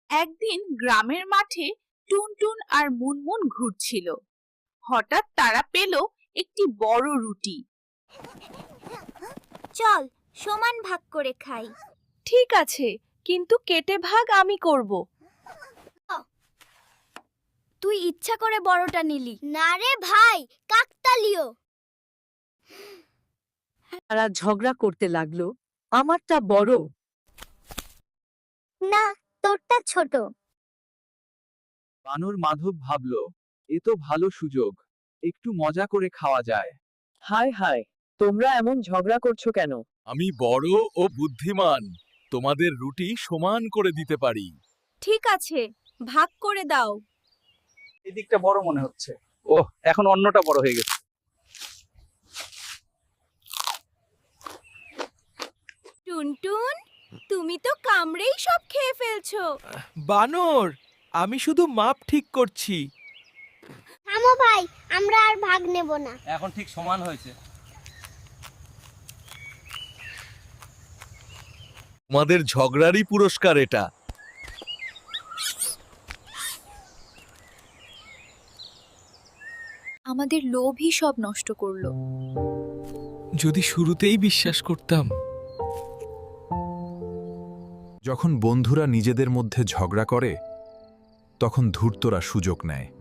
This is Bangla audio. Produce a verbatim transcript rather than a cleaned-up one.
একদিন গ্রামের মাঠে টুনটুন আর মুনমুন ঘুরছিল। হঠাৎ তারা পেল একটি বড় রুটি। চল সমান ভাগ করে খাই। ঠিক আছে, কিন্তু কেটে ভাগ আমি করব। তুই ইচ্ছা করে বড়টা নিলি। না রে ভাই, কাকতালীয়। তারা ঝগড়া করতে লাগলো, আমারটা বড়। না, তোরটা ছোট। বানর মাধব ভাবল, এ তো ভালো সুযোগ, একটু মজা করে খাওয়া যায়। হায় হায়, তোমরা এমন ঝগড়া করছো কেন? আমি বড় ও বুদ্ধিমান, তোমাদের রুটি সমান করে দিতে পারি। ঠিক আছে, ভাগ করে দাও। এদিকটা বড় মনে হচ্ছে। ওহ, এখন অন্যটা বড় হয়ে গেছে। টুনটুন, তুমি তো কামড়েই সব খেয়ে ফেলছো। বানর, আমি শুধু মাপ ঠিক করছি। থামো ভাই, আমরা আর ভাগ নেব না। এখন ঠিক সমান হয়েছে। তোমাদের ঝগড়ারই পুরস্কার এটা। আমাদের লোভই সব নষ্ট করলো। যদি শুরুতেই বিশ্বাস করতাম। যখন বন্ধুরা নিজেদের মধ্যে ঝগড়া করে তখন ধূর্তরা সুযোগ নেয়।